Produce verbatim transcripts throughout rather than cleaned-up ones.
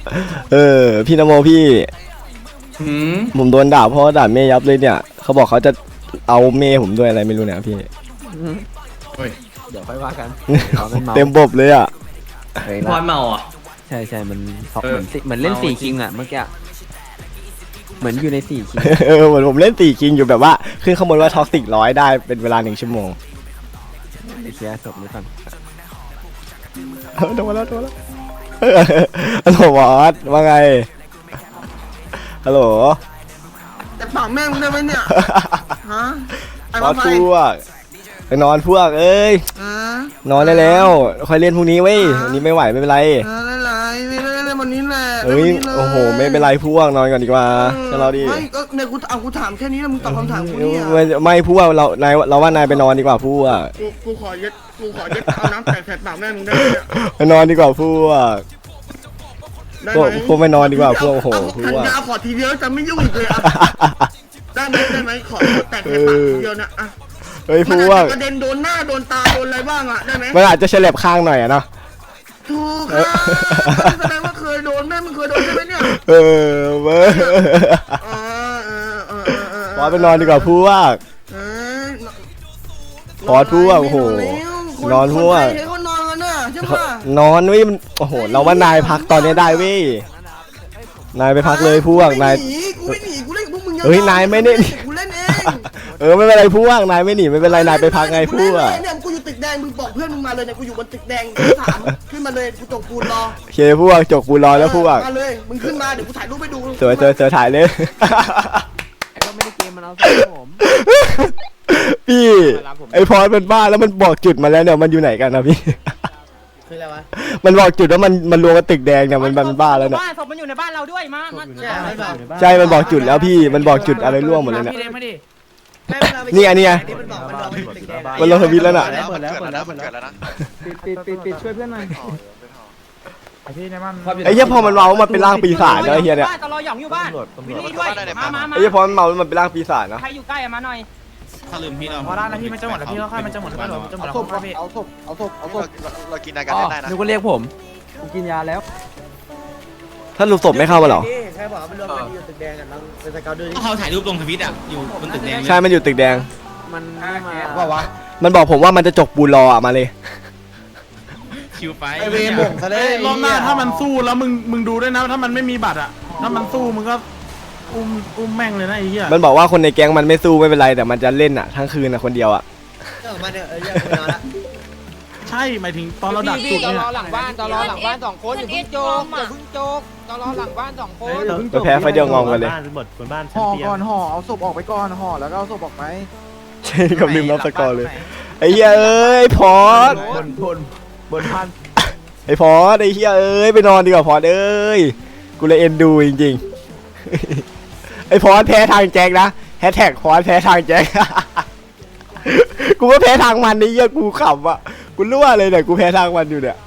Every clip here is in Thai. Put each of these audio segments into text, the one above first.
เออพี่นโมพี่หืมผมโดนด่าเพราะด่าเมย์ยับเลยเนี่ยเขาบอกเขาจะเอาเมย์ผมด้วยอะไรไม่รู้เนี่ยพี่เฮ้ยเดี๋ยวค่อยว่ากันเต็มบบเลยอ่ะเฮ้ยพรเมาอ่ะใช่ใช่มันเหเออมือนสิเหมือนเล่นเมาสี่จริคิงงอ่ะเมื่อกี้เหมือนอยู่ในสี่คิงเออเหมือนผมเล่นตีคิงอยู่แบบว่าขึ้นข้างบนว่าท็อกซิกร้อยได้เป็นเวลาหนึ่งชั่วโมงไอ้เชียศพนี้ก่อนเออโดนแล้วโดนแล้วเออฮัลโหลบอสว่าไงฮัลโหลแต่ปากแม่งมึงได้ไหมเนี่ย ฮะ ไอ้บอมาสไฟพวกไปนอนพวกเอ้ยอ่ะนอนได้แล้วค่อยเล่นพรุ่งนี้เว้ยวันนี้ไม่ไหวไม่เป็นไรเอออะไรไม่ได้เล่นวันนี้แหละเอ้ยล่นวันนี้ลโอ้โหไม่เป็นไรพวกนอนก่อนดีกว่าออจะเราดีไม่ก็เนี่ยกูเอากูถามแค่นี้แล้วมึงตอบคำถามกูเนี่ยไม่ไม่พวกเรานายเราว่านายไปนอนดีกว่าพวกกูกูขอยึดกูขอยึดเอาน้ำแตกแสบปากแม่มึงได้ไหมเนี่ยไปนอนดีกว่าพวกได้พวไหกมพวกไม่นอนดีกว่าพวกโอ้โหเอาพวทันกยาขอทีเดียวจะไม่ยุ่งอีกเลยอ่ะได้ไหมได้ไหมขอแตกแสบปากทีเดียวนะอ่ะเฮ้ยพมันวอาจกจะกระเด็นโดนหน้าโดนตาโดนอะไรบ้างอ่ะได้ไหมมันอาจจะเฉลบข้างหน่อยอะเนาะถูกครับแสดงว่าเคยโดนแม่มึงเคยโดนใช่ไหมเนี่ยเออเว้ยอ๋อเออเออเออเออพอไปนอนดีกว่าพวกเอ้ยขอทั่วโอ้โหนอนทั่วคนไทยเขานอนกันน่ะใช่ปะนอนเว้ยมันโอ้โหเราว่านายพักตอนนี้ได้เว้ยนายไปพักเลยพวกนายกูไม่หนีกูไม่หนีกูเล่นกับพวกมึงเฮ้ยนายไม่ได้กูเล่นเองเออไม่เป็นไรพวกนายไม่หนีไม่เป็นไรนายไปพักไงพวกเนี่ยกูอยู่ตึกแดงมึงบอกเพื่อนมึงมาเลยเนี่ยกูอยู่บนตึกแดงกูถามขึ้นมาเลยกูจกปูนรอโอเคพวกจกกูรอแล้วพวกมาเลยมึงขึ้นมาเดี๋ยวกูถ่ายรูปให้ดูเจอเจอเจอถ่ายเลยก็ไม่ได้เกมมันเอาใส่ผมพี่ไอพอมันบ้าแล้วมันบอกจุดมาแล้วเนี่ยมันอยู่ไหนกันนะพี่คืออะไรวะมันบอกจุดว่ามันมันรวมกับตึกแดงเนี่ยมันมันบ้าแล้วเนี่ยบ้านศพมันอยู่ในบ้านเราด้วยมามาใช่ไม่บอกใช่มันบอกจุดแล้วพี่มันบอกจุดอะไรร่วงหมดเลยเนี่ยพี่เล็กมาดินี่ไงนี่ไงมันบอกมันบอกมันตึกแดงมันลงทวิตแล้วน่ะเปิดแล้วเปิดแล้วเปิดแล้วนะปิดปิดปิดปิดช่วยเพื่อนหน่อยพี่ในบ้านไอ้เหี้ยพอมันเมามันเป็นร่างปีศาจแล้วไอ้เหี้ยเนี่ยตลอหยองอยู่บ้านวินนี่ด้วยมามามาไอ้เหี้ยพอมันเมามันเป็นร่างปีศาจนะใครอยู่ใกล้อะมาหน่อยถ้าลืมพี่เราพอได้แล้วพี่มันจะหมดแล้วพี่ค่อยมันจะหมดแล้วมันจะหมดแล้วพี่เอาศพเอาศพเอาศพเรากินนายกันได้นะนึกว่าเรียกผมกูกินยาแล้วถ้าลูกศพไม่เข้ามาหรอใครบอกว่ามันรวมกันอยู่ตึกแดงกันเราเป็นสเกลด้วยเขาถ่ายรูปลงทวิตอ่ะอยู่บนตึกแดงใช่มันอยู่ตึกแดงมันไม่มาว่าวะมันบอกผมว่ามันจะจกปูนรออะมาเลยคิวไปไอเวรบ่งซะเลยรอบหน้าถ้ามันสู้แล้วมึงมึงดูด้วยนะถ้ามันไม่มีบัตรอ่ะถ้ามันสู้มึงก็อุ้มอุ้มแม่งเลยนะไอ้เหี้ยมันบอกว่าคนในแก๊งมันไม่สู้ไม่เป็นไรแต่มันจะเล่นอะทั้งคืนอะคนเดียวอะเออมาเนี่ยเออเยอะไปนอนละใช่หมายถึงตอนเราดักจุดตเนี่ยลอหลังบ้านตลอหลังบ้านสองคนอย่าเพิ่งโจกอย่าเพิ่งโจกตลอหลังบ้านสองคนก็แพ้ไฟเดียวงอมกันเลยห่อก่อนห่อเอาศพออกไปก่อนห่อแล้วก็เอาศพออกไปใช่กับลืมรับสกอร์เลยไอ้เหี้ยเอ้ยพอดบนบนบนพันไอ้พอดไอ้เหี้ยเอ้ยไปนอนดีกว่าพอดเอ้ยกูเลยเอ็นดูจริงๆไอ้พอดแพ้ทางแจ็คนะแฮชแท็กพอดแพ้ทางแจ็ค กูก็แพ้ทางมันนี่เหี้ยกูขำอะกูรั่วเลยเนี่ยกูแพ้ทางมันอยู่เนี่ย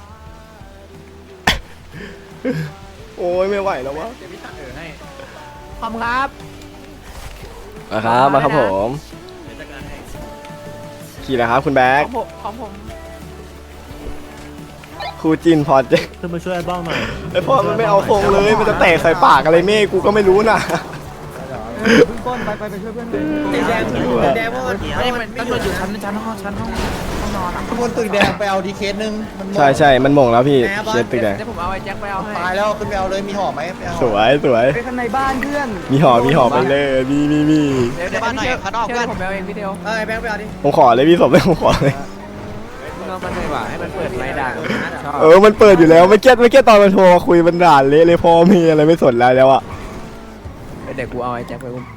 โอ้ยไม่ไหวแล้ววะขอบคุณครับมาครับมาครับผมขี่นะครับคุณแบ็คของผมของผมครูจินพอดเจ๊ขึ้นมาช่วยบ้างหน่อยไอพอดมันไม่เอาโครงเลยมันจะแตกใส่ปากอะไรเม่กูก็ไม่รู้นะพึ่งต้นไปไปไปช่วยเพื่อนหน่อยตึกแดงตึกแดงเพราะว่าไม่มันตำรวจอยู่ชั้นชั้นห้องชั้นห้องห้องนอนอ่ะบนตึกแดงไปเอาดีเคสนึงมันใช่ใช่มันหม่งแล้วพี่เคสตึกแดงเดี๋ยวผมเอาไอ้แจ็คไปเอาให้ตายแล้วขึ้นไปเอาเลยมีห่อไหมไปเอาสวยสวยไปข้างในบ้านเพื่อนมีหอมีหอไปเลยมีมีมีเดี๋ยวเดี๋ยวบ้านหน่อยข้างนอกเพื่อนผมเอาเองพี่เดียวเออแบงค์ไปเอาดิผมขอเลยพี่สมเลยผมขอเลยมึงเอามันเลยว่ะให้มันเปิดไม้ด่างชอบเออมันเปิดอยู่แล้วไม่เก็ตไม่เก็ตตอนมันโทรมาคุยมันด่าเละเลยพอมีอะไรไม่สนแล้วแล้วอะเดี๋ยวกูเอาไอ้แจ็คไปอุ้ม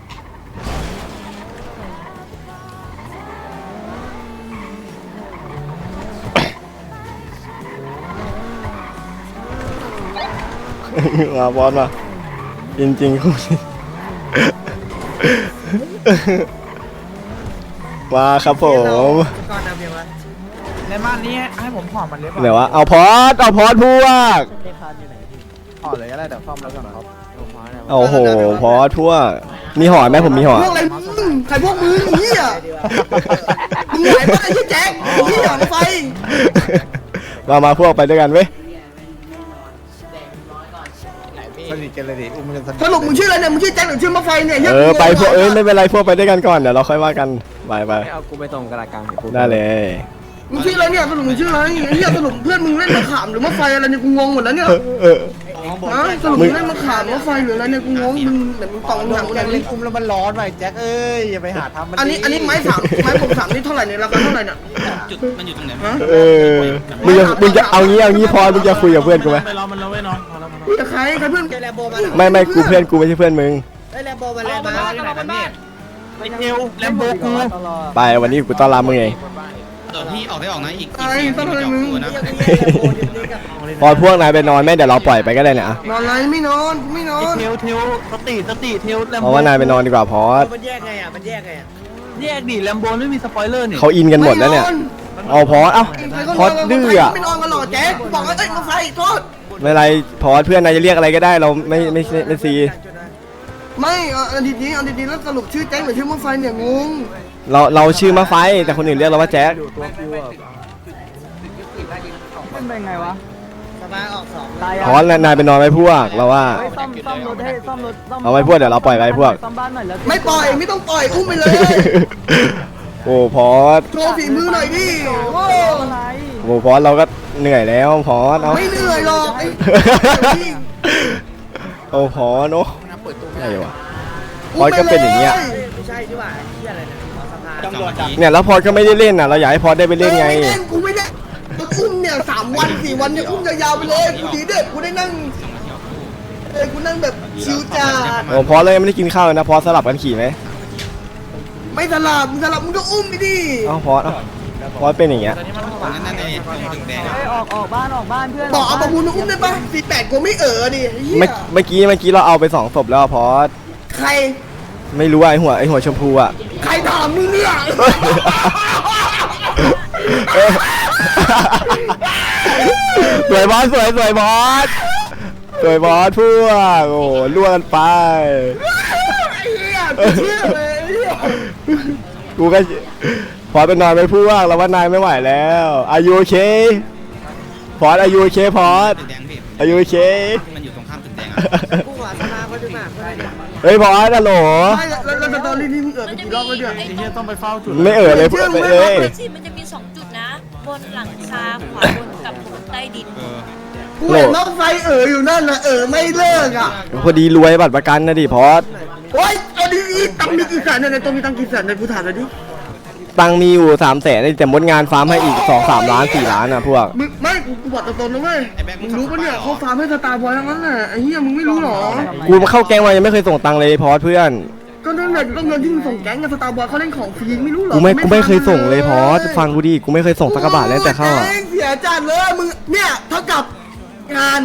มาบอสมาจริงจริงๆคุณมาครับผมก่อนนำเพียงวะในบ้านนี้ให้ผมห่อมันเลยป่ะไหนวะเอาพอดเอาพอดพวกห่อเลยก็ได้เดี๋ยวซ่อมแล้วก่อนครับโอ้โหพอดพวกมีหอไหมผมมีหอพวกอะไรมึงใครพวกมึงเหี้ยมึงไหวปะไอ้ที่แจ็คเหี้ยไฟมามาพวกไปด้วยกันเว้ยไสนิทกันเลยดิอุ้มกันสนิทสรุปมึงชื่ออะไรเนี่ยมึงชื่อแจ็คหรือชื่อมะไฟเนี่ยเออไปพวกเอ้ยไม่เป็นไรพวกไปด้วยกันก่อนเดี๋ยวเราค่อยว่ากันไปไปไม่เอากูไปตรงกระกลางกูได้เลยมึงชื่ออะไรเนี่ยสรุปมึงชื่ออะไรไอ้เหี้ยสรุปเพื่อนมึงเล่นมะขามหรือมะไฟอะไรเนี่ยกูงงหมดแล้วเนี่ยเออฮะสรุปมึงเล่นมะขามมะไฟหรืออะไรเนี่ยกูงงมึงเดี๋ยวมึงตองอหนังยากเลเล่ยนอุ้มแล้วมันร้อนไปแจ็คเอ้ยอย่าไปหาทำมันอันนี้อันนี้ไม้สามไม้ปกสามนี่เท่าไหร่เนี่ยราคาเท่าไหร่เนี่ยจุดมันอยู่ตรงไหนฮะเออมึงจะมึงจะเอางี้เอางี้พอมึงจะคุยกับเพื่อนกูไหมไปรอมันแล้วเว้ยน้องพอแล้วพอแล้วคุยกับใครใครเพื่อนไม่ไม่กูเพื่อนกูไม่ใช่เพื่อนมึงเอาบ้านเอาบ้านบ้านเอวแลมโบกูไปวันนี้กูต้อนรับมึงเองเดี๋ยวพี่ออกได้ออกนะอีกอีกสี่นาทีจะออกตัวนะพอพวกนายไปนอนแม่เดี๋ยวเราปล่อยไปก็ได้เนี่ยอะนอนไรไม่นอนกูไม่นอนเทลเทลสติสติเทลแลมเพโบราะว่านายไปนอนดีกว่าพอสมันแยกไงอ่ะมันแยกไงอ่ะแยกดิแลมโบไม่มีสปอยเลอร์นี่เขาอินกันหมดแล้วเนี่ยเอาพอสเอ้าพอสดื้ออะไม่นอนกันหรอแจ๊คบอกว่าเอ้ยมาไฟโทษไม่เป็นไรพอสเพื่อนนายจะเรียกอะไรก็ได้เราไม่ไม่ไม่ไม่ซีไม่เอาดีๆเอาดีๆแล้วสรุปชื่อแจ๊คหรือชื่อมาไฟเนี่ยงงเราเราชื่อมาไฟแต่คนอื่นเรียกเราว่าแจ็คมันเป็นไงวะสบายออกสองตายพอสนายไปนอนไหมพวกเราว่าซ่อมซ่อมรถให้ซ่อมรถซ่อมเอาไว้พวกเดี๋ยวเราปล่อยไว้พวกซ่อมบ้านหน่อยแล้วไม่ปล่อยไม่ต้องปล่อยอุ้มไปเลยโอ้พอสโชว์ฝีมือหน่อยดิโอ้อะไรโอ้พอสเราก็เหนื่อยแล้วพอสเอาไม่เหนื่อยหรอกไอ้โอ้พอสเนาะอะไรวะพอสก็เป็นอย่างเงี้ยไม่ใช่ดีกว่าที่อะไรนะขอสภาสองนาทีเนี่ยแล้วพอสก็ไม่ได้เล่นอ่ะเราอยากให้พอสได้ไปเล่นไงไม่เล่นกูไม่เล่นกูอุ้มเนี่ยสามวันสี่วันเนี่ยอุ้มยาวๆไปเลยกูดีเด็ดกูได้นั่งเออกูนั่งแบบชิวจัดโอ้พอสเลยไม่ได้กินข้าวเลยนะพอสสลับกันขี่ไหมไม่สลับมึงสลับมึงก็อุ้มไปดิเอ้าพอสเอ้าพอสเป็นอย่างเงี้ยนั่นนั่นเลยตึงแดงเฮ้ยออกออกบ้านออกบ้านเพื่อนบอกเอาประมูลมาอุ้มได้ปะสี่แปดกูไม่เออดิเฮีเมื่อย เมื่อกี้เมื่อกี้เราเอาไปสองศพแล้วอะพอสใครไม่รู้ว่าไอหัวไอหัวชมพูอ่ะใครถามมึงเนี่ยสวยบอสสวยสวยบอสสวยบอสพวกโอ้โหล่วงกันไปไอ้เหี้ยกูเชื่อเลยไอ้เหี้ยกูก็พอสไปนอนไปพวกเราว่านายไม่ไหวแล้วอายุโอเคพอสอายุโอเคพอสตึกแดงพี่อายุโอเคมันอยู่ตรงข้ามตึกแดงอ่ะกูหัวสภาเขาดูมากเพื่อนเนี่ยเฮ้ยพอสฮัลโหลไม่แล้วแล้วแล้วตอนนี้นี่มึงเออไปกี่รอบแล้วเนี่ยไอ้เหี้ยต้องไปเฝ้าจุดไม่เอ่ยเลยพวกไปเลยสิมันจะมีสองจุดนะ บนหลังคาขวาบนกับถนนใต้ดินเออกูเห็นรถไฟเอออยู่นั่นนะเออไม่เลิกอ่ะพอดีรวยบัตรประกันนะดิพอสโอ๊ยเอาดีๆตังค์มีกี่แสนเนี่ยในตัวมีตังค์กี่แสนเนี่ยกูถามหน่อยดิตังค์มีอยู่สามแสนแต่มดงานฟาร์มให้อีกสองสามล้านสี่ล้านอ่ะพวกมึงไม่กูกูบอกตรงๆนะเว้ยมึงรู้ปะเนี่ยเขาฟาร์มให้สตาร์บอยทั้งนั้นแหละไอ้เหี้ยมึงไม่รู้หรอกูมาเข้าแก๊งมายังไม่เคยส่งตังค์เลยพอสเพื่อนก็นั่นแหละก็เงินที่มึงส่งแก๊งกับสตาร์บอยเขาเล่นของฟรีไม่รู้หรอกูไม่กูไม่เคยส่งเลยพอสฟังกูดิกูไม่เคยส่งสักกระบาทเลยแต่เข้าอ่ะโอ้ยเสียจัดเลยมึงเนี่ยเท่ากับงาน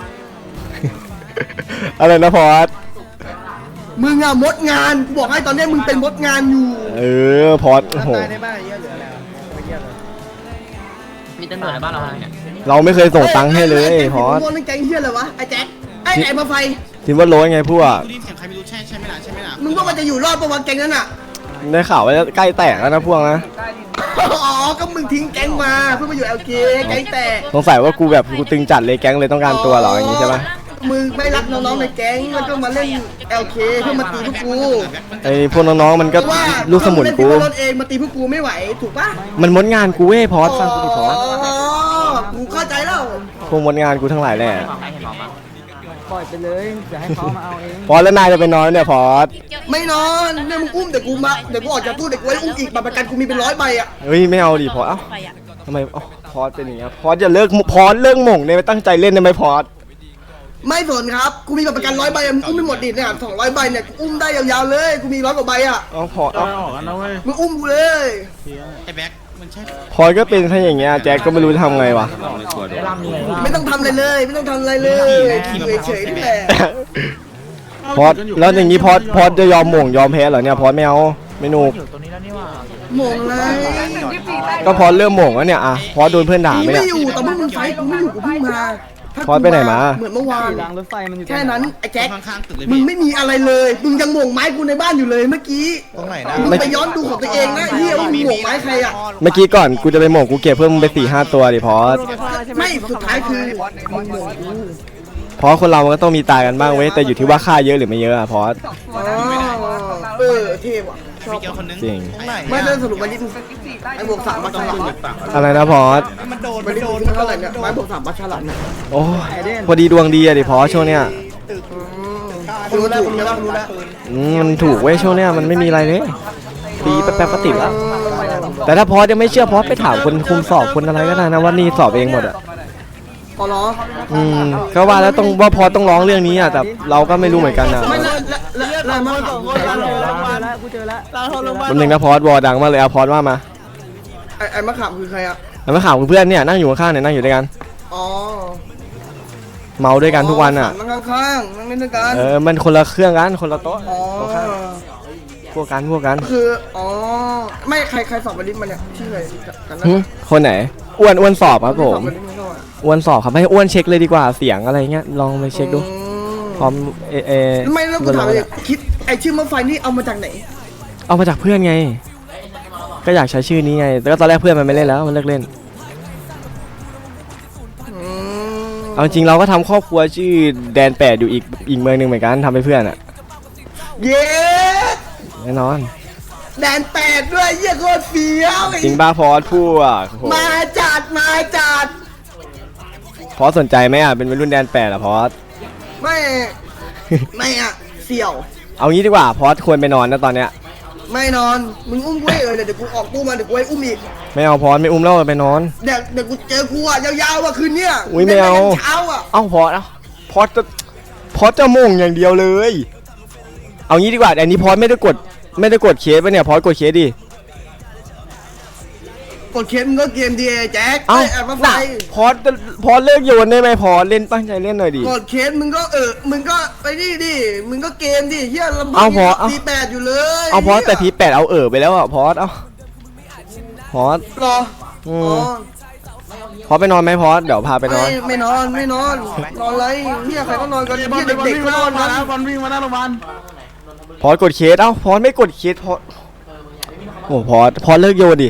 อะไรนะพอสมึงอะมดงานกูบอกให้ตอนเนี้ยมึงเป็นมดงานอยู่เออพอสโอ้โหตายในบ้านเยอะเหลืออะไรไม่เยอะเลยมีตำรวจในบ้านเราเนี่ยเราไม่เคยส่งตังค์ให้เลยพอสมดแก๊งเฮียอะไรวะไอ้แจ็คไอ้ไอ้มาไฟทิมว่าโรยไงพวกดูดิเสียงใครไม่รู้ใช่ใช่ไหมล่ะใช่ไหมล่ะมึงว่ามันจะอยู่รอดปะวะแก๊งนั้นอะได้ข่าวว่าใกล้แตกแล้วนะพวกนะอ๋อก็มึงทิ้งแก๊งมาเพื่อมาอยู่ แอล เค แก๊งแตกสงสัยว่ากูแบบกูตึงจัดเลยแก๊งเลยต้องการตัวเหรออย่างงี้ใช่ปะมึงไม่รักน้องๆในแก๊งแล้วก็มาเล่น แอล เค เพื่อมาตีพวกกูไอพวกน้องๆมันก็เพราะว่าลูกสมุนกูเล่นรถเองมาตีพวกกูไม่ไหวถูกปะมันมดงานกูเว้ยพอสฟังกูดิพอสอ๋อกูเข้าใจแล้วพวกมดงานกูทั้งหลายแหละปล่อยไปเลยเดี๋ยวให้เขามาเอาเองพอสแล้วนายจะไปนอนเนี่ยพอสไม่นอนเนี่ยมึงอุ้มเดี๋ยวกูมาเดี๋ยวกูออกจากตู้เดี๋ยวกูไว้อุ้มอีกบัตรประกันกูมีเป็นร้อยใบอะเฮ้ยไม่เอาดิพอสเอ้าไปอ่ะทำไมเอ้าพอสเป็นอย่างเงี้ยพอสจะเลิกพอสเลิกหม่งเนี่ยไม่ตั้งใจเล่นได้ไหมพอสไม่สนครับกูมีบัตรประกันร้อยใบอะมึงอุ้มไม่หมดดิเนี่ยสองร้อยใบเนี่ยกูอุ้มได้ยาวๆเลยกูมีร้อยกว่าใบอะเอ้าพอสเอาเอ้าออกกันนะเว้ยมึงอุ้มกูเลยไอ้แบ็คมันใช่พอสก็เป็นแค่อย่างเงี้ยแจ็คก็ไม่รู้จะทำไงวะไม่ต้องทำอะไรเลย ไม่ต้องทำอะไรเลยอยู่เฉยๆนี่แหละพอสแล้วอย่างงี้พอสพอสจะยอมหม่งยอมแพ้เหรอเนี่ยพอสไม่เอาไม่หนุกโหม่งเลยก็พอสเริ่มหม่งแล้วเนี่ยอะพอสโดนเพื่อนด่ากูไหมไม่เนี่ยอยู่แต่เมื่อมึงไฟท์กูไม่อยู่กูเพิ่งมาถ้าพอสไปไหนมาเหมือนเมื่อวานรางรถไฟมันอยู่แค่นั้นไอ้แจ็คข้างๆตึกเลยมึงพี่ไม่มีอะไรเลย มึงยังโหม่งไม้กูในบ้านอยู่เลยเมื่อกี้ตรงไหนนะมึงไปย้อนดูของตัวเองนะไอ้เฮียว่ามึงโหม่งไม้ใครอะเมื่อกี้ก่อนกูจะไปหม่งกูเก็บเพิ่มมึงไปสี่ห้าตัวดิพอสไม่สุดท้ายคือมึงโหม่งกูเพราะคนเรามันก็ต้องมีตายกันบ้างเว้ยแต่อยู่ที่ว่าฆ่าเยอะหรือไม่เยอะอะพอสอ๋อเออเท่ว่ะชอบมีเกียวคนนึงจริงไม่ได้สรุปวันนี้ไอ้บวกสามมาฉลาดอะไรนะพอสมันโดนมันโดนเท่าไหร่เนี่ยไม้บวกสามมาฉลาดเนี่ยโอ้พอดีดวงดีอะดิพอสช่วงเนี้ยรู้แล้วรู้แล้วรู้แล้วอืมมันถูกเว้ยช่วงเนี้ยมันไม่มีอะไรเลยดีแป๊บๆก็ติดแล้วแต่ถ้าพอสยังไม่เชื่อพอสไปถามคนคุมสอบคนอะไรก็ได้นะว่านี่สอบเองหมดอะพอเหรออืมก็ว่าแล้วต้องว่าพอต้องร้องเรื่องนี้อ่ะแต่เราก็ไม่รู้เหมือนกันนะไม่ละละละละมาสองคนละกูเจอแล้วแป๊บนึงนะพอสวอดังมากเลยเอาพอสว่ามาไอ้ไอ้มะขามคือใครอ่ะแล้วมาข่าวเพื่อนเนี่ยนั่งอยู่ข้างๆเนี่ยนั่งอยู่ด้วยกันอ๋อเมาด้วยกันทุกวันอ่ะนั่งข้างๆนั่งเล่นด้วยกันเออมันคนละเครื่องกันคนละโต๊ะอ๋อพวกกันพวกกันคืออ๋อไม่ใครใครสอบวันนี้มาเนี่ยชื่ออะไรกันนะหึคนไหนอ้วนอ้วนสอบครับผมสอบวันนี้ไม่รู้อะอ้วนสอบครับให้อ้วนเช็คเลยดีกว่าเสียงอะไรเงี้ยลองไปเช็คดูอืมพร้อมเอเอไม่แล้วกูถามเลยคิดไอ้ชื่อมะไฟนี่เอามาจากไหนเอามาจากเพื่อนไง ก็อยากใช้ชื่อนี้ไงแต่ก็ตอนแรกเพื่อนมันไม่เล่นแล้วมันเลิกเล่นอืมเอาจริงเราก็ทำครอบครัวชื่อแดนแปดอยู่อีกอีกเมืองหนึ่งเหมือนกันทำให้เพื่อนอ่ะเย้แน่นอนแดนแปดด้วยเยี่ยโคตรเฟี้ยวจริงบ้าพอสพูดอ่ะโอ้โหมาจัดมาจัดพอสสนใจไหมอ่ะเป็นวัยรุ่นแดนแปดอ่ะพอสไม่ ไม่อะเสี่ยวเอางี้ดีกว่าพอสควรไปนอนนะตอนเนี้ยไม่นอน มึงอุ้มกูให้เออเดี๋ยวกูออกตู้มาเดี๋ยวกูให้อุ้มอีกไม่เอาพอสไม่อุ้มแล้วไปนอนเดี๋ยวเดี๋ยวกูเจอกูอ่ะยาวๆอ่ะคืนเนี้ยอุ๊ยไม่เอาล่นกันเช้าอ่ะเอ้าพอสเอ้าพอสจะพอสจะมุ่งอย่างเดียวเลย เอางี้ดีกว่าอันนี้พอสไม่ได้กดไม่ได้กดเคสปะเนี่ยพอสกดเคสดิกดเคสมึงก็เกมดีแจ็คเอ้าไอ้แอบมาไฟน่ะพอสจะพอสเลิกโยนได้ไหมพอสเล่นตั้งใจเล่นหน่อยดิกดเคสมึงก็เออมึงก็ไปนี่ดิมึงก็เกมดิเฮียลำบากเอาพอเอาทีแปดอยู่เลยเอาพอสแต่ทีแปดเอาเออไปแล้วอ่ะพอสเอาพอสรออือ๋มอพอสไปนอนไหมพอสเดี๋ยวพาไปนอนไม่ไม่นอนไม่นอนนอนไรเฮียใครก็นอนกันไอ้เฮีบอลยไอ้บอลเด็กวิ่งๆก็มาน หอน้าน โรงพยาบาลกันนะบอลวิ่งมาหน้าโรงพยาบาลพอสกดเคสเอ้าพอสไม่กดเคสพอสโอ้พอสพอสเลิกโยนดิ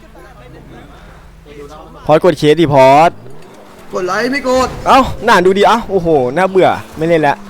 พอสกดเคสดิพอสกดไลค์ไม่กดเอ้าหน้าดูดิเอ้าโอ้โหน่าเบื่อไม่เล่นแล้ว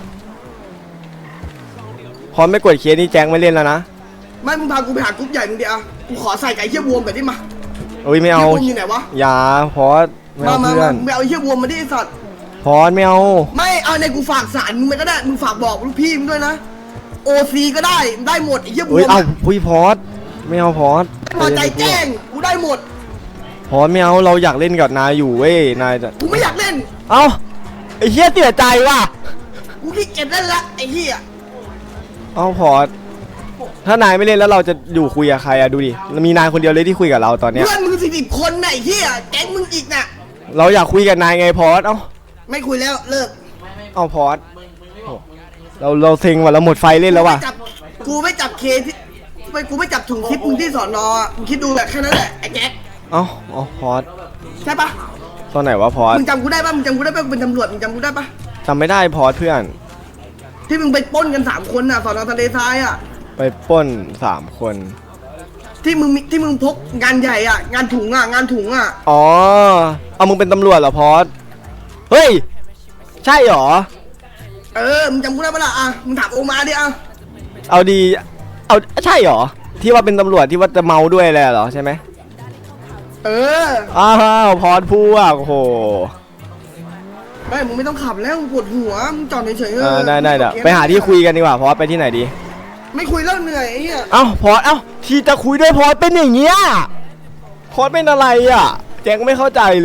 พอสไม่กดเคสนี่แจ้งไม่เล่นแล้วนะไม่มึงพากูไปหากรุ๊ปใหญ่มึงดิอ่ะกูขอใส่ไก่เฮียบวมแบบนี้มาเอ้ยไม่เอาเฮียบวมอยู่ไหนวะอย่าพอสไม่มาเอามาเพื่อมาน มึงไปเอาไอ้เฮียบวมมาดิไอ้สัตว์พอสไม่เอาไม่เอาในกูฝากสารมึงไปก็ได้มึงฝากบอกลูกพี่มึงด้วยนะโอซีก็ได้ได้หมดไอ้เฮียบเอ้วย มเอาอะพุยพอสไม่เอาพอสพอใจแจ้งกูได้หมดพอสไม่เอาเราอยากเล่นกับนายอยู่เว้ยนายจะกูไม่อยากเล่นเอ้าไอ้เหี้ยเสียใจว่ะกูขี้เกียจเล่นละไอ้เฮียเอาพอสถ้านายไม่เล่นแล้วเราจะอยู่คุยกับใครอะดูดิมีนายคนเดียวเลยที่คุยกับเราตอนเนี้ยเพื่อนมึงสิบคนน่ะไอ้เฮียแก๊งมึงอีกน่ะเราอยากคุยกับนายไงพอสเอ้าไม่คุยแล้วเลิกเอาพอสโอ้เราเราเซ็งว่ะเราหมดไฟเล่นแล้วว่ะกูไม่จับกูไม่จับเคที่ไม่กูไม่จับถุงทิปมึงที่สอนออ่ะมึงคิดดูแบบแค่นั้นแหละไอ้แจ็คเอ้าเอาพอสใช่ปะตอนไหนวะพอสมึงจำกูได้ปะมึงจำกูได้ปะกูเป็นตำรวจมึงจำกูได้ปะจำไม่ได้พอสเพื่อนที่มึงไปปล้นกันสามคนน่ะสอนอทะเลทรายอ่ะไปปล้นสามคนที่มึงมีที่มึงพกงานใหญ่อ่ะงานถุงอ่ะงานถุงอ่ะอ๋อเอามึงเป็นตำรวจเหรอพอสเฮ้ยใช่เหรอเออมึงจำกูได้ปะล่ะอ่ะมึงถามโอมาดิอ่ะเอาดีเอาใช่เหรอที่ว่าเป็นตำรวจที่ว่าจะเมาด้วยแหละเหรอใช่ไหมเอออ้าวพอสพูดโอ้โหไม่มึงไม่ต้องขับแล้วมึงปวดหัวมึงจอดเฉยๆเอเอออได้ได้เดี๋ยวไปหาที่คุยกันดีกว่าพอสไปที่ไหนดีไม่คุยแล้วเหนื่อยไอ้เหี้ยเอ้าพอสเอ้าที่จะคุยด้วยพอสเป็นอย่างเงี้ยพอสเป็นอะไรอ่ะแจ็คไม่เข้าใจเลย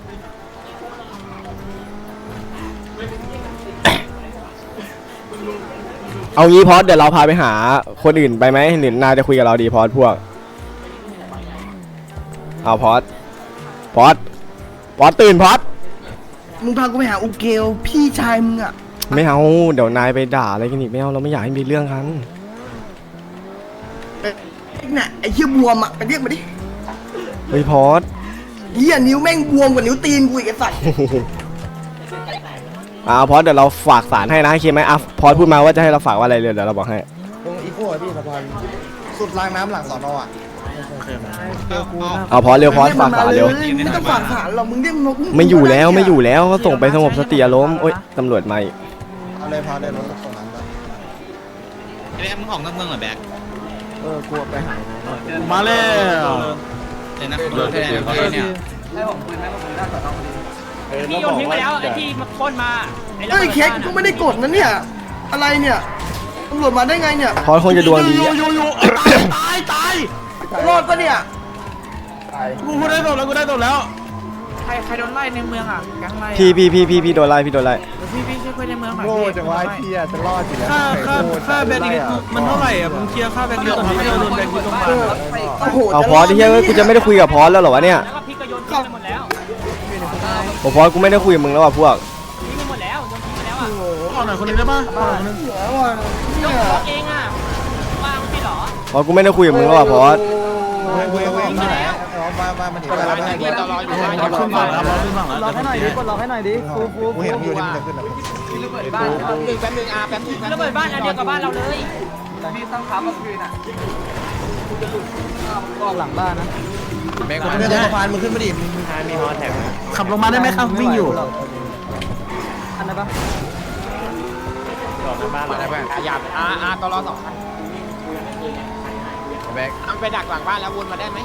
เอางี้พอสเดี๋ยวเราพาไปหาคนอื่นไปไหมหรือนายจะคุยกับเราดีพอสพวกเอาพอสพอสพอสตื่นพอสมึงพากูไปหาอุเกลพี่ชายมึงอ่ะไม่เอาเดี๋ยวนายไปด่าอะไรกันอีกไม่เอาเราไม่อยากให้มีเรื่องกันไอ้น่ะไอ้เหี้ยบวมอ่ะไปเรียกมาดิเฮ้ยพอสเหี้ยนิ้วแม่งบวมกว่านิ้วตีนกูอีกไอ้สัตว์อ่าพอสเดี๋ยวเราฝากสารให้นะโอเคไหมอ่ะพอสพูดมาว่าจะให้เราฝากว่าอะไรเลยเดี๋ยวเราบอกให้ตรงอีโก้อะพี่สะพานสุดรางน้ำหลังสอนออ่ะโอเคเอาพอเร็วพอฝากฝาเร็วไม่ต้องฝากฐานหรอกมึงเรียกนกไม่อยู่แล้วไม่อยู่แล้วก็ส่งไปสงบสติอารมณ์โอ๊ยตำรวจมาอีกเอาเลยพาเลยรถตรงนั้นไปไอ้แบ๊กมึงออกนอกเมืองเหรอแบ๊กเออกลัวไปหายมาแล้วเลยนะรถแทนเนี่ยที่โยนทิ้งไปแล้วไอ้ที่มาพ่นมาเฮ้ยเค้กกูไม่ได้กดนะเนี่ยอะไรเนี่ยตำรวจมาได้ไงเนี่ยพอคงจะดวงดีอยู่อะอยู่อยู่ตายตายรอดปะเนี่ยกูกูได้ตบแล้วกูได้ตบแล้วใครใครโดนไล่ในเมืองอ่ะแก๊งไล่พี่พี่พี่พี่พี่โดนไล่พี่โดนไล่พี่พี่ช่วยเพื่อนในเมืองหน่อยโง่จังวะไอ้เหี้ยจะรอดอยู่แล้วค่าค่าค่าแบนอีกมันเท่าไหร่อ่ะมึงเคลียร์ค่าแบนที่ตอนนี้เราโดนแบนที่โรงพยาบาลโอ้โหเอาพอที่เฮ้ยกูจะไม่ได้คุยกับพอแล้วเหรอวะเนี่ยแล้วก็พี่ก็โยนทิ้งไปหมดแล้วโอ้พอกูไม่ได้คุยกับมึงแล้วว่ะพวกทิ้งไปหมดแล้วโยนทิ้งไปแล้วอ่ะขอหน่อยคนนึงได้ปะขอหน่อยคนนึงแล้วอ่ะเนี่ยตัวเองอ่ะวางไม่หรอพอกูไม่ได้คุยกับมึงแล้วว่ะพอเว้ยเว้ยเว้ยที่ไหนเอามามามาหนีไปแล้วเพื่อนตลอดอยู่รอขึ้นฝั่งแล้วรอขึ้นฝั่งแล้วล็อกให้หน่อยดิกดล็อกให้หน่อยดิฟูฟูกูเห็นอยู่ที่มันจะขึ้นอ่ะบ้านแป๊บนึงแป๊บนึงอ่ะแป๊บนึงระเบิดบ้านอันเดียวกับบ้านเราเลยมีตั้งขาเมื่อคืนอ่ะออกหลังบ้านนะแบงค์มาเนี่ยสะพานมึงขึ้นมาดิมึงมีฮอแท็กขับลงมาได้ไหมครับวิ่งอยู่อันไหนปะมาได้เพื่อนอย่าอ่าอ่าตลอดสองคันแบงค์มันไปดักหลังบ้านแล้ววนมาได้ไหม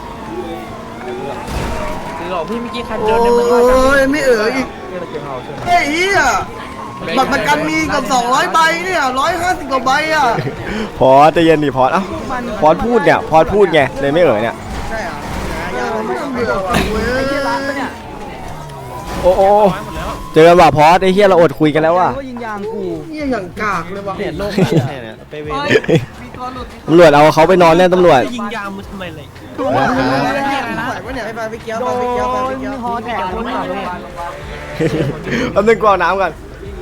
คือหรอพี่เมื่อกี้ใครโอโดนในเมืองบ้าน้ยไม่เอ๋ออีกเฮ้ยเฮียบัตรประกันมีกับสองร้อยใบเนี่ยร้อยห้าสิบกว่าใบอ่ะพอใจะเย็นดิพอเอ้าพอพูดเนี่ยพอพูดไงเลยไม่เอ่ยเนี่ยใช่อ่ะยาไม่ต้องเบื่อว่ะเว้ยโอ้โอ้เจอว่ะพอไอ้เฮียเราอดคุยกันแล้วว่ะก็ยิงยางกูเฮียอย่างกากเลยว่ะเห็นโลกเนี่ยไปเวรตำรวจเอาเขาไปนอนแน่ตำรวจยิงยางมึงทำไมเลยไปไปไปเกี้ยวไปไปเกี้ยวไปไปเกี้ยวฮอแตกคนหาโรงพยาบาลแป๊บนึงกรอกน้ำกัน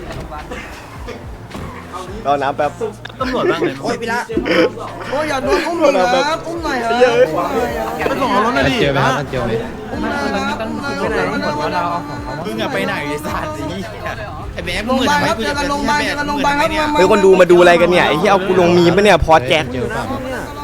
รอน้ำแป๊บตำรวจบ้างเลยโอ้ยพี่ละโอ้ยอย่าโดนอุ้มเลยครับอุ้มหน่อยครับอุ้มหน่อยครับไปส่งเอารถหน่อยดิเจอไหมครับเจอไหมอุ้มหน่อยครับอุ้มหน่อยอุ้มหน่อยอุ้มหน่อยอุ้มหน่อยมึงอะไปไหนไอ้สัตว์นี้ไอ้แบ๊กโรมึงงพเหมืยาอนบาลทำคไมรับกูเจจะอกันโรงพยาบาลเจอกันโรงพยาบาลครับเฮ้ยคนดูมาดูอะไรกันเนี่ยไอ้ที่เอากูลงมีมปะเนี่ยพอแจ็คเนี่ย